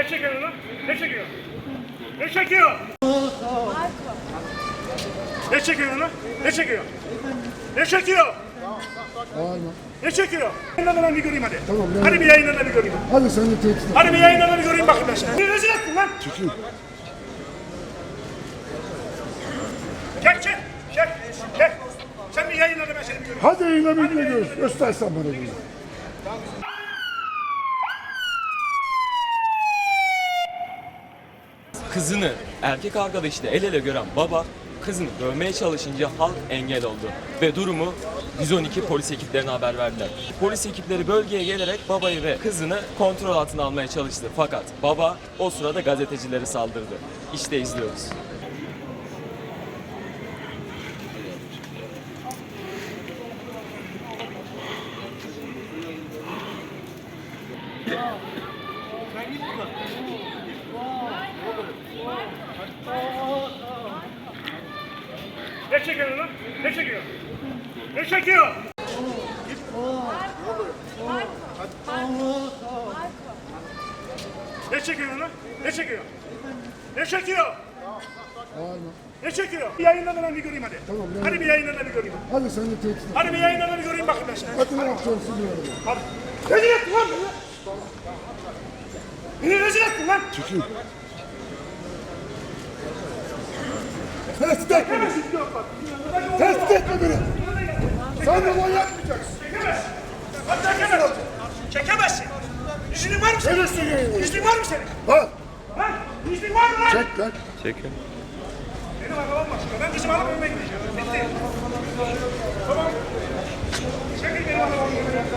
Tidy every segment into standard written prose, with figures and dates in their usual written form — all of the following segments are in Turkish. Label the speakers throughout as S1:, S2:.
S1: Ne çekiyor lan? Ne çekiyor? Ne çekiyor? Ne çekiyor lan? Ne çekiyor? Ne çekiyor?
S2: Bağırma.
S1: Ne çekiyor? Yayınlarına bir göreyim hadi.
S2: Tamam,
S1: Hadi bir yayınlarına bir göreyim.
S2: Hadi sen de tehdit et.
S1: Hadi bir yayınlarına bir göreyim bakayım ben seni. Bir rezil ettin lan.
S2: Çekil.
S1: Çek çek. Çek. Çek. Sen bir yayınlarına ben seni bir göreyim.
S2: Hadi yine bir görüş. Göstersen bana bunu.
S3: Kızını erkek arkadaşıyla el ele gören baba kızını dövmeye çalışınca halk engel oldu ve durumu 112 polis ekiplerine haber verdiler. Polis ekipleri bölgeye gelerek babayı ve kızını kontrol altına almaya çalıştı. Fakat baba o sırada gazetecilere saldırdı. İşte izliyoruz.
S1: Ne çekiyor lan? Ne çekiyor? Ne çekiyor? Ne çekiyor lan? Ne çekiyor? Ne çekiyor?
S2: Bağırma.
S1: Ne çekiyor? Bir yayınlarına bir göreyim hadi.
S2: Tamam,
S1: Hadi bir yayınlarına bir göreyim.
S2: Hadi sen de tehdit et.
S1: Hadi bir yayınlarına bir göreyim bakayım ben seni.
S2: Hadi ne yapacaksın diyorum.
S1: Hadi. Rezil ettin lan beni. Beni rezil ettin lan.
S2: Çekil. Tehdit etme beni. Tehdit etme beni. Sen de yapmayacaksın.
S1: Çekemezsin. Hadi çekemezsin. Çekemezsin. İznin var mı senin?
S2: Neresi yayın?
S1: İznin var mı senin?
S2: Ha?
S1: Ha? İznin var mı lan?
S2: Çek lan.
S1: Benim arabam var şurada. Ben kızımı alıp önüme gideceğim. Bitti. Tamam. Çekil benim arabamı.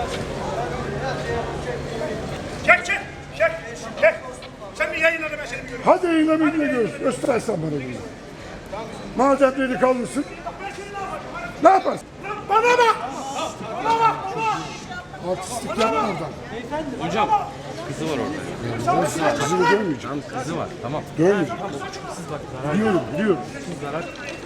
S1: Çek çek. Çek. Çek. Sen bir yayınlarına ben seni bir göreyim.
S2: Hadi yine bir görüş. Göstersen bana bunu. Madem deli kalmışsın.
S1: Ben seni ne yapacağım?
S2: Ne yaparsın?
S1: Lan bana bak. Bana bak. Bana.
S2: Artistlik yapma oradan.
S4: Hocam kızı var orada.
S2: Kızını dövmeyeceğim.
S4: Tam kızı var. Tamam.
S2: Dövmeyeceğim.
S4: Kız bak zarar.
S2: Biliyorum, biliyorum.
S4: Zarar.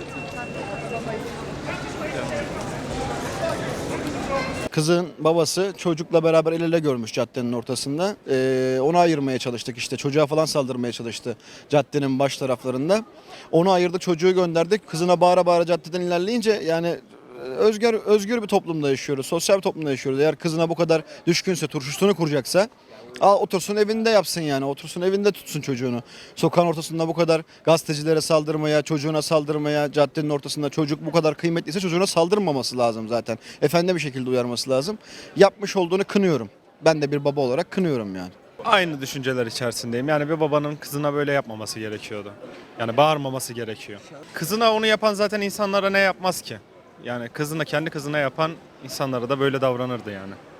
S5: Kızın babası çocukla beraber el ele görmüş caddenin ortasında. Onu ayırmaya çalıştık işte. Çocuğa falan saldırmaya çalıştı caddenin baş taraflarında. Onu ayırdık, çocuğu gönderdik. Kızına bağıra bağıra caddeden ilerleyince yani özgür bir toplumda yaşıyoruz. Sosyal bir toplumda yaşıyoruz. Eğer kızına bu kadar düşkünse, turşusunu kuracaksa otursun evinde yapsın yani. Otursun evinde tutsun çocuğunu. Sokağın ortasında bu kadar gazetecilere saldırmaya, çocuğuna saldırmaya, caddenin ortasında çocuk bu kadar kıymetliyse çocuğuna saldırmaması lazım zaten. Efendi bir şekilde uyarması lazım. Yapmış olduğunu kınıyorum. Ben de bir baba olarak kınıyorum yani.
S6: Aynı düşünceler içerisindeyim. Yani bir babanın kızına böyle yapmaması gerekiyordu. Yani bağırmaması gerekiyor. Kızına onu yapan zaten insanlara ne yapmaz ki? Yani kendi kızına yapan insanlara da böyle davranırdı yani.